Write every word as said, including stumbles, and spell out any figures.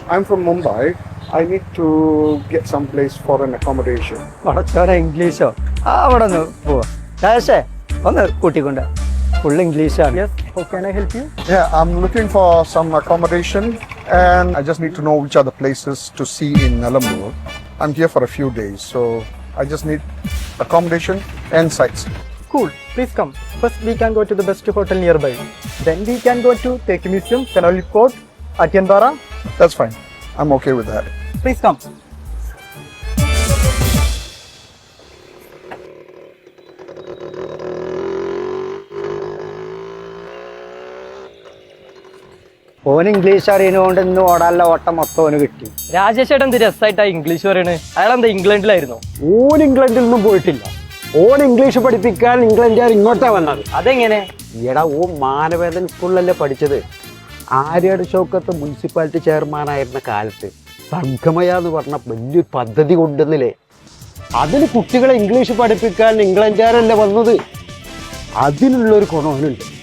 I'm from Mumbai. I need to get some place for an accommodation. പടച്ചോനെ ഇംഗ്ലീഷോ ആ അവിടെ ഒന്ന് പോവാ രാജേഷേ ഒന്ന് കൂട്ടിക്കൊണ്ട് ഫുൾ ഇംഗ്ലീഷാണ്. Yes, how can I help you? Yeah, I'm looking for some accommodation and I just need to know which are the places to see in Nalambur. I'm here for a few days, so I just need accommodation and sites. Cool, please come. First we can go to the best hotel nearby. Then we can go to Teki Museum, Canal Fort, Atiyanbara. That's fine. I'm okay with that. Please come. ഓൻ English അറിയുന്നതുകൊണ്ട് ഇന്ന് ഓടാനുള്ള ഓട്ടം മൊത്തം ഓന് കിട്ടി. രാജേഷ് ഏട്ടൻ എന്ത് രസമായിട്ടാ ഇംഗ്ലീഷ് പറയണേ. അയാൾ എന്താ ഇംഗ്ലണ്ടിലായിരുന്നു? ഓൻ ഇംഗ്ലണ്ടിൽ നിന്നും പോയിട്ടില്ല. ഓൻ ഇംഗ്ലീഷ് പഠിപ്പിക്കാൻ ഇംഗ്ലണ്ടുകാർ ഇങ്ങോട്ടാ വന്നത്. അതെങ്ങനെ? എടാ ഓ മാനവേദൻ സ്കൂളിലല്ലേ പഠിച്ചത്. ആര്യാട് ഷൗക്കത്ത് മുനിസിപ്പാലിറ്റി ചെയർമാനായിരുന്ന കാലത്ത് സംഗമയ എന്ന് പറഞ്ഞ വലിയൊരു പദ്ധതി കൊണ്ടുവന്നില്ലേ. അതിന് കുട്ടികളെ ഇംഗ്ലീഷ് പഠിപ്പിക്കാൻ ഇംഗ്ലണ്ടുകാരല്ലേ വന്നത്. അതിനുള്ളൊരു ഗുണവനുണ്ട്.